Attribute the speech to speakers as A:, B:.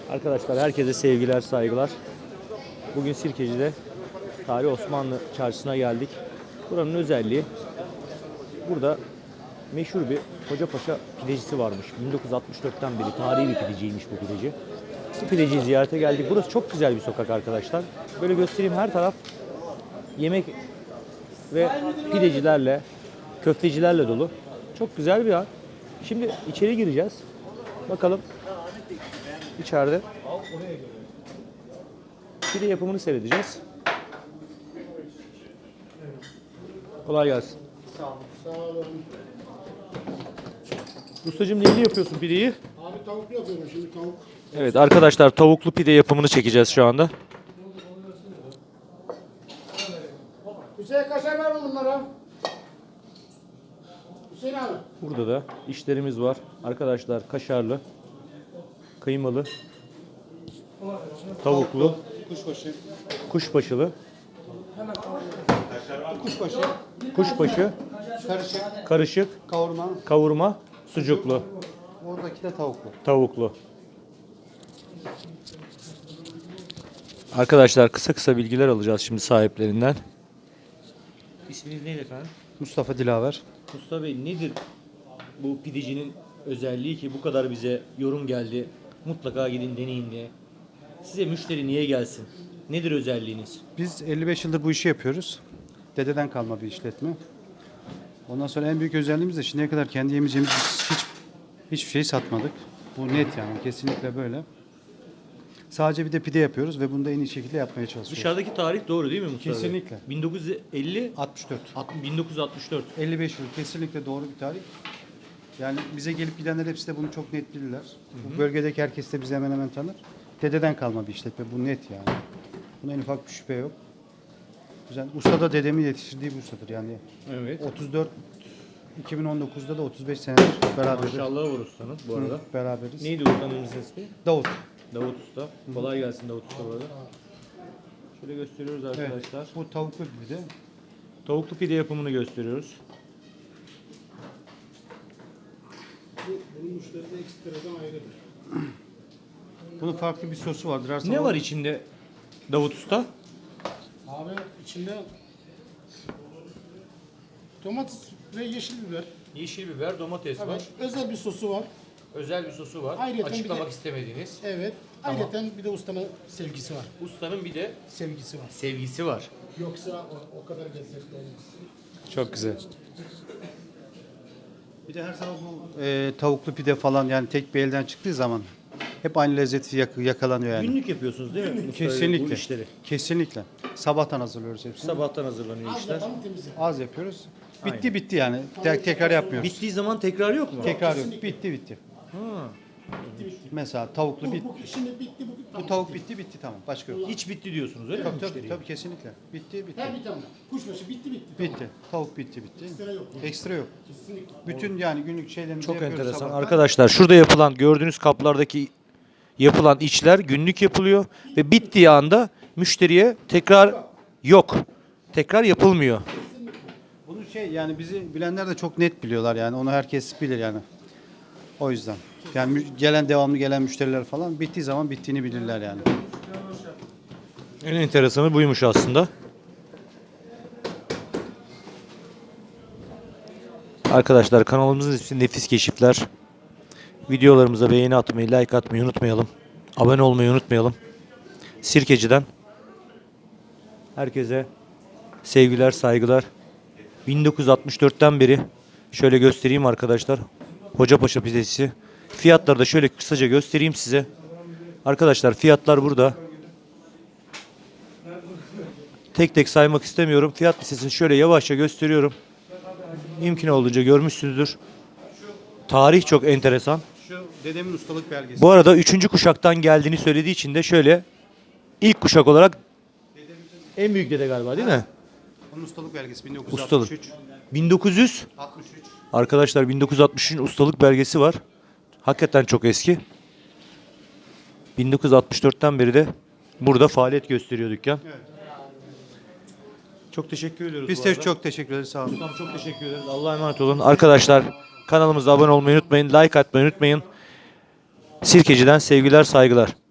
A: Arkadaşlar herkese sevgiler, saygılar. Bugün Sirkeci'de Tarihi Osmanlı Çarşısı'na geldik. Buranın özelliği, burada meşhur bir Hocapaşa pidecisi varmış. 1964'ten beri tarihi bir pideciymiş bu pideci. Bu pideciyi ziyarete geldik. Burası çok güzel bir sokak arkadaşlar. Böyle göstereyim, her taraf yemek ve pidecilerle, köftecilerle dolu. Çok güzel bir yer. Şimdi içeri gireceğiz. Bakalım içeride pide yapımını seyredeceğiz. Kolay gelsin.
B: Sağ olun.
A: Ustacığım, neyini yapıyorsun pideyi?
B: Abi tavuklu yapıyorum şimdi tavuk.
A: Evet arkadaşlar, tavuklu pide yapımını çekeceğiz şu anda.
B: Hüseyin kaşar ver bunlara. Hüseyin abi.
A: Burada da işlerimiz var. Arkadaşlar kaşarlı, kıymalı, tavuklu,
B: Kuşbaşı.
A: kuşbaşılı,
B: Kuşbaşı.
A: kuşbaşı,
B: Karışık.
A: karışık,
B: Kavurma.
A: kavurma, sucuklu,
B: Oradaki de tavuklu.
A: tavuklu. Arkadaşlar kısa kısa bilgiler alacağız şimdi sahiplerinden. İsminiz neydi efendim?
B: Mustafa Dilaver.
A: Mustafa Bey, nedir bu pidecinin özelliği ki bu kadar bize yorum geldi? Mutlaka gidin deneyin diye. Size müşteri niye gelsin? Nedir özelliğiniz?
B: Biz 55 yıldır bu işi yapıyoruz. Dededen kalma bir işletme. Ondan sonra en büyük özelliğimiz de şimdiye kadar kendi yemeyeceğimiz hiçbir şey satmadık. Bu net yani, kesinlikle böyle. Sadece bir de pide yapıyoruz ve bunu da en iyi şekilde yapmaya çalışıyoruz.
A: Dışarıdaki tarih doğru değil mi Mustafa Bey?
B: Kesinlikle.
A: 1950,
B: 64.
A: 1964.
B: 55 yıl kesinlikle doğru bir tarih. Yani bize gelip gidenler hepsi de bunu çok net bilirler. Bu bölgedeki herkes de bizi hemen hemen tanır. Dededen kalma bir işletme, bu net yani. Buna en ufak bir şüphe yok. Güzel. Usta da dedemin yetiştirdiği bir ustadır yani.
A: Evet.
B: 34 2019'da da 35 senedir beraberiz.
A: Maşallah var ustanın bu arada.
B: Beraberiz.
A: Neydi ustanın ismi?
B: Davut.
A: Davut Usta. Kolay gelsin Davut Usta bu arada. Şöyle gösteriyoruz arkadaşlar.
B: Evet, bu tavuklu bir de.
A: Tavuklu pide yapımını gösteriyoruz.
B: Bunun müşteri de ekstradan ayrıdır. Bunun farklı bir sosu vardır. Her
A: Ne
B: sabah-
A: var içinde Davut Usta?
C: Abi içinde domates ve yeşil biber.
A: Yeşil biber, domates var.
C: Evet, özel bir sosu var.
A: Özel bir sosu var.
C: Ayrıyeten
A: Açıklamak
C: bir de-
A: istemediğiniz.
C: Evet.
A: Tamam.
C: Ayrıca bir de ustanın sevgisi var.
A: Ustanın bir de
C: Sevgisi var.
A: sevgisi var.
C: Yoksa o kadar lezzetli olmaz.
A: Çok güzel.
B: Bir de her sabah bu tavuklu pide falan yani tek bir elden çıktığı zaman hep aynı lezzeti yakalanıyor yani.
A: Günlük yapıyorsunuz değil mi Mustafa Bey, bu
B: Kesinlikle.
A: işleri?
B: Kesinlikle. Sabahtan hazırlıyoruz hepsini.
A: Sabahtan hazırlanıyor
C: Az
A: işler.
C: yapalım temizle.
B: Az yapıyoruz. Bitti
A: Aynen.
B: bitti yani. Tekrar yapmıyoruz.
A: Bittiği zaman tekrar yok mu?
B: Tekrar yok. Bitti.
A: Ha.
B: Mesela tavuklu bitti.
C: Şimdi bitti bu.
B: Bu tavuk bitti tamam. Başka yok.
A: Hiç bitti diyorsunuz öyle mi
B: Tabii
A: müşteriye?
B: kesinlikle. Bitti.
C: Her bir tane. Kuşbaşı bitti.
B: Bitti. Tavuk bitti.
C: Ekstra yok.
B: Ekstra yok.
C: Kesinlikle.
B: Bütün yani günlük şeylerimizi
A: Çok
B: yapıyoruz
A: enteresan.
B: sabahtan.
A: Arkadaşlar şurada yapılan, gördüğünüz kaplardaki yapılan içler günlük yapılıyor ve bittiği anda müşteriye tekrar yok. Tekrar yapılmıyor.
B: Bunu yani bizi bilenler de çok net biliyorlar yani. Onu herkes bilir yani. O yüzden. Yani devamlı gelen müşteriler falan bittiği zaman bittiğini bilirler yani.
A: En enteresanı buymuş aslında. Arkadaşlar kanalımızın ismi Nefis Keşifler. Videolarımıza beğeni atmayı, like atmayı unutmayalım. Abone olmayı unutmayalım. Sirkeci'den herkese sevgiler, saygılar. 1964'ten beri şöyle göstereyim arkadaşlar. Hocapaşa pidesi. Fiyatları da şöyle kısaca göstereyim size. Arkadaşlar fiyatlar burada. Tek tek saymak istemiyorum. Fiyat listesini şöyle yavaşça gösteriyorum. Mümkün olduğunca görmüşsünüzdür. Tarih çok enteresan.
B: Şu dedemin ustalık belgesi.
A: Bu arada 3. kuşaktan geldiğini söylediği için de şöyle ilk kuşak olarak en büyük dede galiba değil mi?
B: Onun ustalık belgesi
A: Ustalık.
B: 1963.
A: 1900
B: 63.
A: arkadaşlar 1963'ün ustalık belgesi var. Hakikaten çok eski. 1964'ten beri de burada faaliyet gösteriyor dükkan.
B: Evet.
A: Çok teşekkür ediyoruz.
B: Biz
A: bu
B: de
A: arada.
B: çok teşekkür ederiz. Sağ olun.
A: Ustam çok teşekkür ederiz. Allah'a emanet olun. Arkadaşlar kanalımıza abone olmayı unutmayın. Like atmayı unutmayın. Sirkeci'den sevgiler, saygılar.